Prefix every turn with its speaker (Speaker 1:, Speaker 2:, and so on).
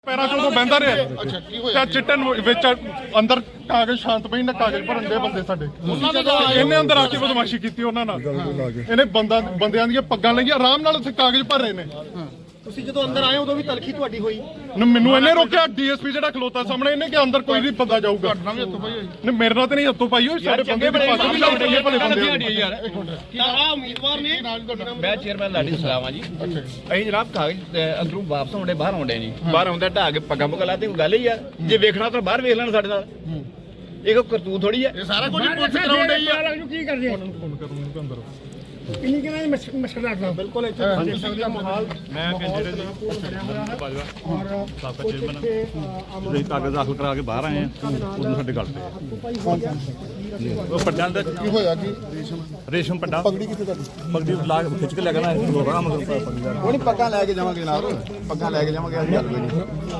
Speaker 1: ਪੈਰਾਂ ਚੋਂ ਬਹਿੰਦਾ ਰਿਹਾ ਤੇ ਚਿੱਟੇ ਵਿੱਚ ਅੰਦਰ ਕਾਗਜ਼ ਸ਼ਾਂਤਮਈ ਨਾਲ ਕਾਗਜ਼ ਭਰਨ ਦੇ ਬੰਦੇ ਸਾਡੇ ਇਹਨੇ ਅੰਦਰ ਆ ਕੇ ਬਦਮਾਸ਼ੀ ਕੀਤੀ ਉਹਨਾਂ ਨਾਲ ਇਹਨੇ ਬੰਦਿਆਂ ਦੀਆਂ ਪੱਗਾਂ ਲਈਆਂ ਆਰਾਮ ਨਾਲ ਉੱਥੇ ਕਾਗਜ਼ ਭਰ ਰਹੇ ਨੇ।
Speaker 2: ਤੁਸੀਂ ਜਦੋਂ ਅੰਦਰ ਆਏ ਉਦੋਂ ਵੀ ਤਲਖੀ ਤੁਹਾਡੀ ਹੋਈ?
Speaker 1: ਮੈਨੂੰ ਇਹਨੇ ਰੋਕਿਆ ਡੀਐਸਪੀ ਜਿਹੜਾ ਖਲੋਤਾ ਸਾਹਮਣੇ ਇਹਨੇ ਕਿ ਅੰਦਰ ਕੋਈ ਨਹੀਂ ਬੰਦਾ ਜਾਊਗਾ। ਨਹੀਂ ਮੇਰੇ ਨਾਲ ਤੇ ਨਹੀਂ ਹੱਥੋਂ ਪਾਈ ਹੋਈ ਸਾਡੇ ਬੰਦੇ ਦੀ ਪੱਗ ਵੀ ਲਾਉ ਰਹੀ ਹੈ ਭਲੇ ਬੰਦੇ
Speaker 2: ਯਾਰ ਆ ਉਮੀਦਵਾਰ ਨੇ।
Speaker 3: ਮੈਂ ਚੇਅਰਮੈਨ ਲਾਡੀ ਸਲਾਮ ਆ ਜੀ। ਅਸੀਂ ਜਨਾਬ ਕਾਗਜ਼ ਅੰਦਰੋਂ ਵਾਪਸ ਆਉਂਦੇ ਬਾਹਰ ਆਉਂਦੇ ਨਹੀਂ ਬਾਹਰ ਆਉਂਦਾ ਢਾਹ ਕੇ ਪੱਗਾਂ ਪੁੱਗਾਂ ਲਾਤੇ ਕੋਈ ਗੱਲ ਹੀ ਯਾਰ ਜੇ ਵੇਖਣਾ ਤਾਂ ਬਾਹਰ ਵੇਖ ਲੈਣ ਸਾਡੇ ਨਾਲ ਇਹ ਕੋਈ ਕਰਤੂਤ ਥੋੜੀ ਹੈ।
Speaker 2: ਇਹ ਸਾਰਾ ਕੁਝ ਪੁੱਛ ਕਰਾਉਣ ਡਈ ਆ।
Speaker 4: ਕੀ ਕਰਦੇ ਆ
Speaker 1: ਫੋਨ ਕਰੂੰਗਾ ਅੰਦਰ
Speaker 4: ਕਿੰਨੀ ਕਿੰਨਾ ਮਸ਼ਕਲ ਰੱਖਦਾ
Speaker 2: ਬਿਲਕੁਲ ਇੱਥੇ ਦੇਖ ਸਕਦੇ ਆ ਮਾਹੌਲ।
Speaker 5: ਮੈਂ ਕੈਂਡੀਡੇਟ ਜੀ ਬਾਜਵਾ ਸਾਬਕਾ ਚੇਅਰਮੈਨ ਅਸੀਂ ਕਾਗਜ਼ ਦਾਖਲ ਕਰਾ ਕੇ ਬਾਹਰ ਆਏ ਆ ਉਦੋਂ ਸਾਡੇ ਗੱਲ ਤੇ ਉਹ ਪੱਡਾਂ ਦਾ
Speaker 6: ਕੀ ਹੋਇਆ ਕਿ
Speaker 5: ਰੇਸ਼ਮ ਪੱਡਾ
Speaker 6: ਪਗੜੀ ਕਿੱਥੇ ਤੁਹਾਡੀ?
Speaker 5: ਪਗੜੀ ਲਾ ਕੇ ਖਿੱਚ ਕੇ ਲੈ ਗਿਆ ਨਾ ਪੱਗਾਂ ਲੈ ਕੇ ਜਾਵਾਂਗੇ ਜਨਾਬ, ਪੱਗਾਂ ਲੈ ਕੇ ਜਾਵਾਂਗੇ, ਅਸੀਂ ਗੱਲ ਕੋਈ ਨਹੀਂ।